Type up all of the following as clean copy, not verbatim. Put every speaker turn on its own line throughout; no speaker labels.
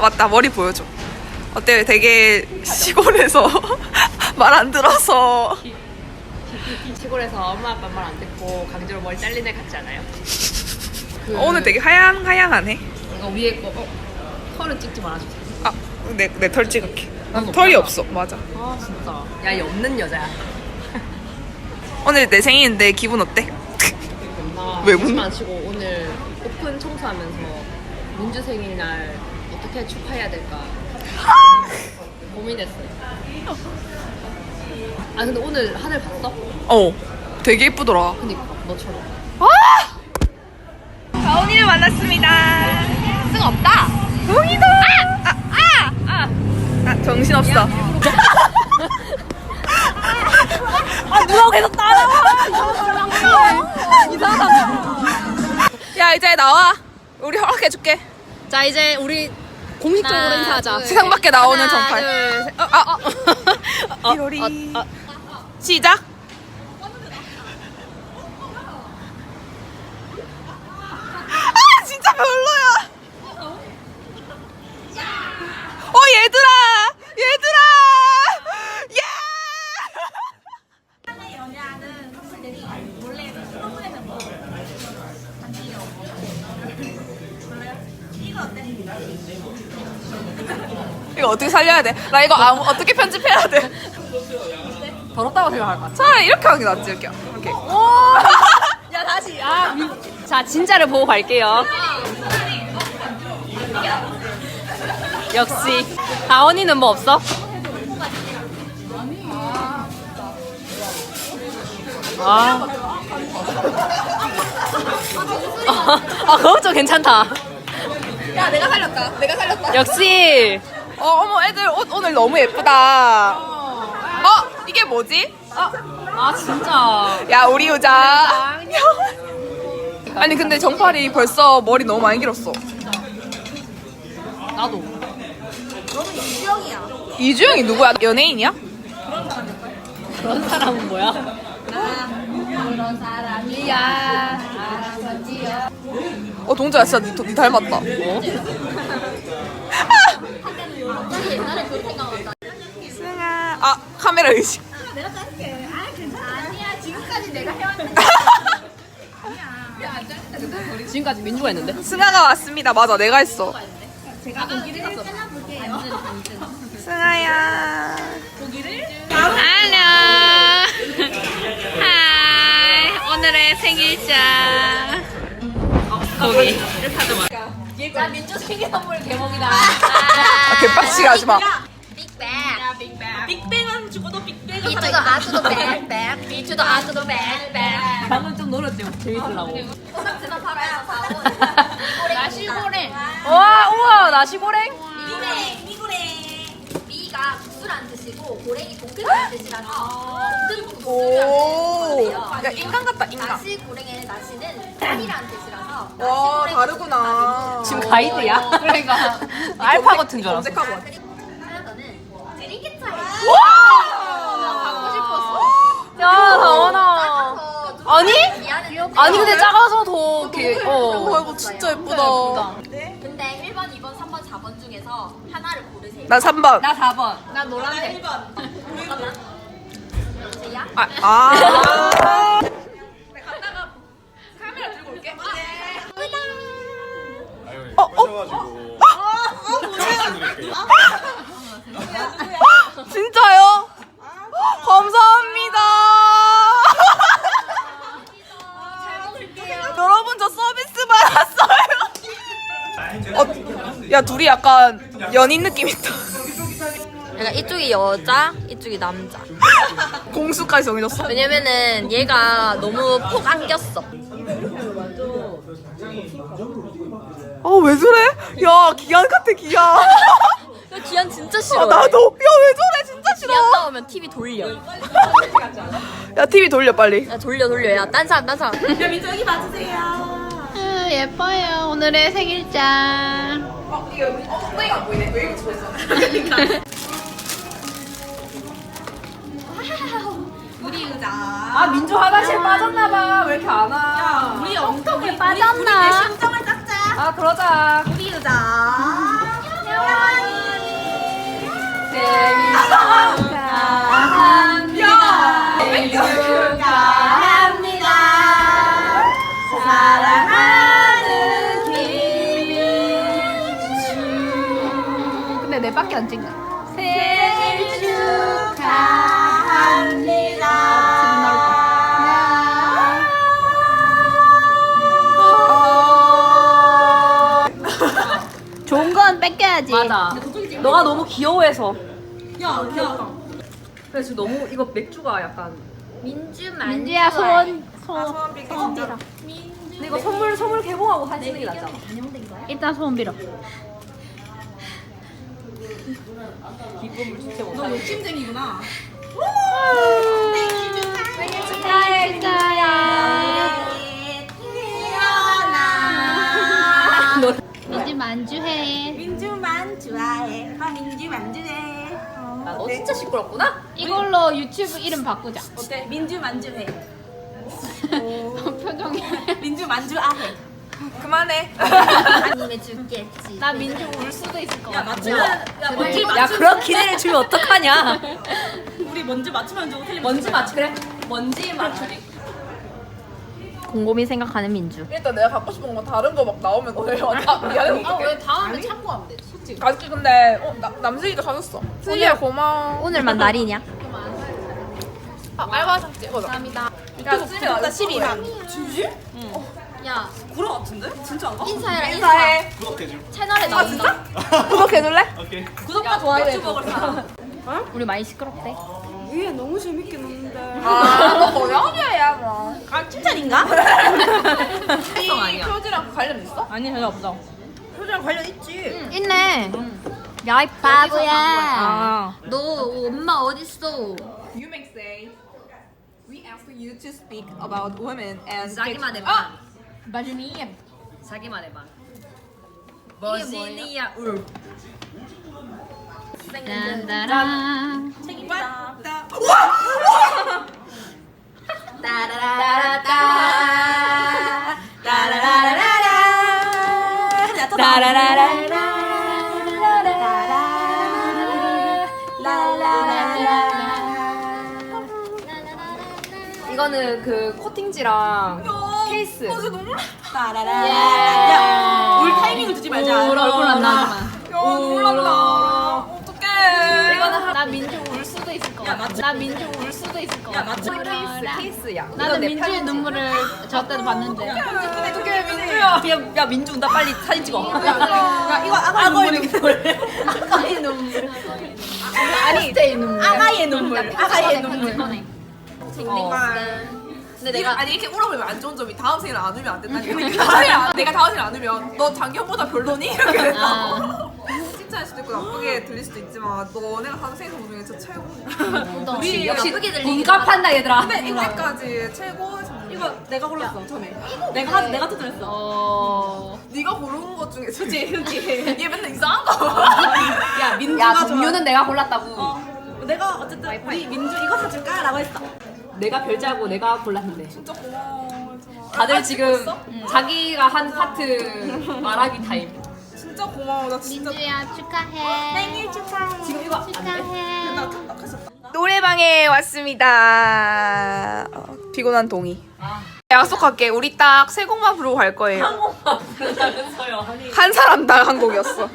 맞다. 머리 보여줘. 어때? 되게 시골에서 말 안 들어서.
시골에서 엄마 아빠 말 안 듣고 강제로 머리 잘린 애 같지 않아요?
오늘 되게 하양하네.
이거 위에 거 털은 찍지 말아주세요.
아, 내 털 찍을게.
난
털이
없잖아.
없어. 맞아.
아 진짜. 야, 이 없는 여자야.
오늘 내 생일인데 기분 어때? 왜 문?
안 치고 오늘 오픈 청소하면서 민주 생일날 어떻게 축하해야 될까 고민했어요. 아 근데 오늘 하늘 봤어?
되게 예쁘더라.
그니까 너처럼.
가온이를 만났습니다.
승 없다.
동이다. 정신 없어.
누가 계속 따라와. 이상하다.
야 이제 나와. 우리 허락해줄게.
자 이제 우리 공식적으로 인사하자.
세상 밖에 나오는
하나,
정팔.
둘, 셋.
띠로리. 시작. 진짜 별로야. 얘들아. 예. 이거 어떻게 살려야 돼? 나 이거 어떻게 편집해야 돼?
더럽다고 생각할 것 같아.
차라리 이렇게 하는 게 낫지. 이렇게.
야 다시. 자 진짜를 보고 갈게요. 역시 다원이는 뭐 없어? 그거 좀 괜찮다.
야 내가 살렸다.
역시.
어머 애들 옷 오늘 너무 예쁘다. 이게 뭐지?
진짜.
야 우리 유자. 아니 근데 정팔이 벌써 머리 너무 많이 길었어.
나도.
이주영이 누구야? 연예인이야?
그런 사람은 뭐야?
그런 사람이야.
동자야 진짜 니 닮았다.
옛날에 그 생각난다.
승아. 카메라 의식.
내가 짤게. 아니야. 지금까지 내가 해왔는데.
지금까지 민주가 했는데?
승아가 왔습니다. 맞아 내가 했어.
제가 고기를 잘라볼게요.
승아야.
안녕. 하이. 오늘의 생일자. 고기.
자, 민주 생일 선물 개봉이다.
개빡치게 하지 마.
빅뱅. 빅뱅은 죽어도 빅뱅은 비투도 아투도 뱅뱅. 비투도 아투도 뱅뱅.
방금 좀 노렸지. 재밌으려고.
소낙지도 팔아요. 나시고랭.
우와 나시고랭.
미고랭. 미가 국수라는 뜻이고 고랭이 볶음이라는 뜻이라서 볶음
오.
국수라는
야 인간 같다 인간.
나시고랭의 나시는 짠이라는 뜻이라서
와 다르구나.
지금 가이드야? 그러니까 알파 같은 줄 알았어.
검색하고 왔지.
하나는 드링크 차이.
갖고 싶었어. 야 다원아. 아니? 아니 근데 작아서 더 이렇게
이거 진짜 예쁘다.
근데 1번, 2번, 3번, 4번 중에서 하나를 고르세요.
난 3번.
나 4번. 나 노란색.
잠깐만. 제이야?
진짜요? 감사합니다. 여러분 저 서비스 받았어요. 야 둘이 약간 연인 느낌 있다.
약간 이쪽이 여자, 이쪽이 남자.
공수까지 정해졌어?
왜냐면은 얘가 너무 폭 안겼어.
왜 저래? 야 기한 같아 기한.
야, 기한 진짜 싫어.
나도. 야 왜 저래 진짜 싫어.
기한 나오면 TV 돌려.
야 TV 돌려 빨리.
야 돌려. 야 딴 사람.
야 민주 여기 봐주세요.
예뻐요. 오늘의 생일자.
이거 엉덩이가 안 보이네. 왜 이렇게 좋았어? 우리 의자.
민주 화장실 빠졌나봐. 왜 이렇게 안 와?
엉덩이 빠졌나?
심정을 닦자.
그러자.
우리 의자.
근데 내 밖에 안 찍네. 생일 축하합니다. 지금 나올 거. 좋은 건 뺏겨야지.
맞아. 너가 너무 귀여워해서. 그래서 지금 너무 이거 맥주가 약간.
민주야 손.
소원 빌게 진짜.
근데 이거 선물 개봉하고 하시는 게 낫잖아.
일단 소원 빌어.
기쁨을 주체 못하.
너 욕심쟁이구나.
생일 축하해 축하해. 민주 만주해.
민주만 좋아해. 민주만 좋아해.
너 진짜 시끄럽구나?
이걸로 유튜브 이름 바꾸자.
어때? 민주만 좋아해.
표정이.
민주만 좋아해. 그만해.
아니면 죽겠지. 나 민주 울 수도 있을 것 같아.
야 그런 기회를 주면 어떡하냐?
우리 먼저 맞추면 좋고 틀리면
먼지 맞추 그래. 먼지 맞추기.
곰곰이 생각하는 민주.
일단 내가 갖고 싶은 거 다른 거 막 나오면 너네 미안해 어떡해.
다음에 참고하면 돼. 솔직히.
가족이 근데 남슬이가 사줬어. 슬리야 고마워.
오늘만 날이냐?
알바상 찍어줘. 감사합니다. 야 슬리야 나 12만. 진심?
야
구라 같은데? 진짜 안 가?
인사해라 인사.
인사해.
구독해줘.
채널에
아
나온다.
진짜? 구독해줄래?
오케이.
구독과 좋아요 해줘.
우리 많이 시끄럽대.
아, 너 고양이야 뭐. 아 칭찬인가?
특성 아니야.
표지랑 관련 있어?
아니 전혀 없어.
표지랑 관련 있지.
있네. 야 이 바보야.
아.
너 엄마 어딨어?
You may say we ask you to speak about women and
자기만 해봐.
마주니.
자기만 해봐. 버지니아 울.
딴따라.
책임다.
따라라라따.
이거는 그 코팅지랑 케이스.
야, 울 타이밍을 주지 말자.
얼굴 안 나오지만.
야, 놀란다. 어떡해.
이거는 나 민주 울 수도 있을 것 같아. 나 민주 울 수도 있을 것 같아.
케이스야.
나는 민주의 눈물을 저 때도 봤는데.
어떡해, 민주야.
야 민주 운다 빨리 사진 찍어.
야, 이거 아가의 눈물.
아까의 눈물.
아니, 아가의 눈물. 아가의 눈물.
근데
내가 아니 이렇게 울어보면 안 좋은 점이 다음 생일 안 울면 안 된다니까. 내가 다음 생일 안 울면 너 작년보다 별로니? 이렇게 된다고. 칭찬할 수도 있고 나쁘게 들릴 수도 있지만 너네가 다음 생일 선물 중에 진짜 최고. 우리
역시
나쁘게
공감한다 얘들아.
근데 이때까지 최고의 선물. 이거 내가 골랐어 전에. 내가 추천했어. 네가 고른 것 중에 그치. 얘 맨날 이상한 거.
야 민주가 종류는 내가 골랐다고.
내가 어쨌든 우리 민주 이거 사줄까라고 했어.
내가 별자고 내가 골랐는데.
진짜 고마워.
다들 지금 자기가 한 파트 말하기 타임.
진짜 고마워. 나 진짜.
민주야 축하해. 생일 축하해.
지금 이거 안 돼?
축하해.
나 착각하셨다. 노래방에 왔습니다. 피곤한 동이. 약속할게. 우리 딱 세 곡만 부르고 갈 거예요.
부르면서요.
한 사람당 한 곡이었어.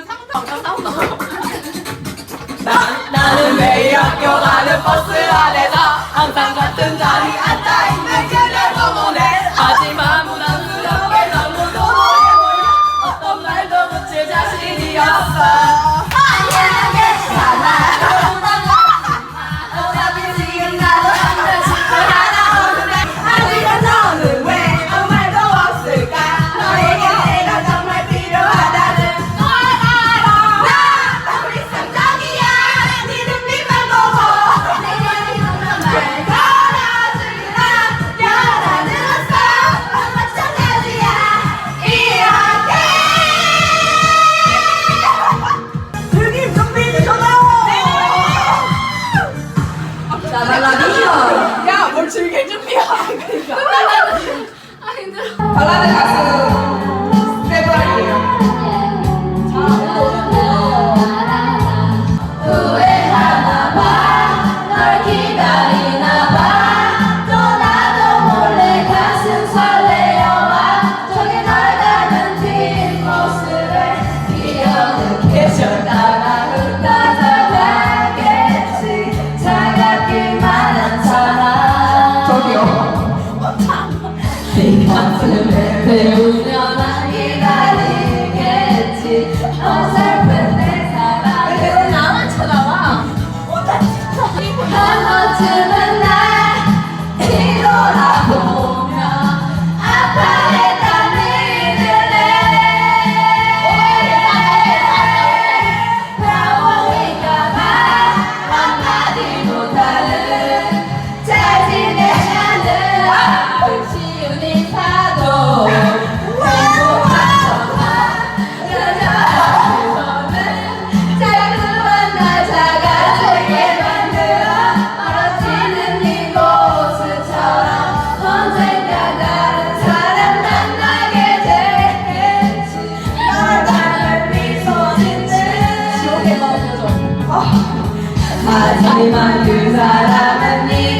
나는 매일 학교 가는 버스 안에서 항상 같은 자리 앉아있는 그댈 보내. 하지만 부담스럽게 너무 도도해 보여. 어떤 말도 붙일 자신이 없어. 아니야 괜찮아. 어차피 지금 나도 한번 싶어 하나 오는데 하지만 너는 왜 아무 말도 없을까. 너에게 내가 정말 필요하다는 걸 알아. 나 우리 상정이야. 네 눈빛만 보고 내가 이런 말 걸어주라. 여라는 없어. 마찬가지야. 이렇게 즐길 준비는 전화요. 야, 뭘 즐길 준비야. 발라드 가수 세브라이에요. 자, 오늘 하지만 그 사람은 네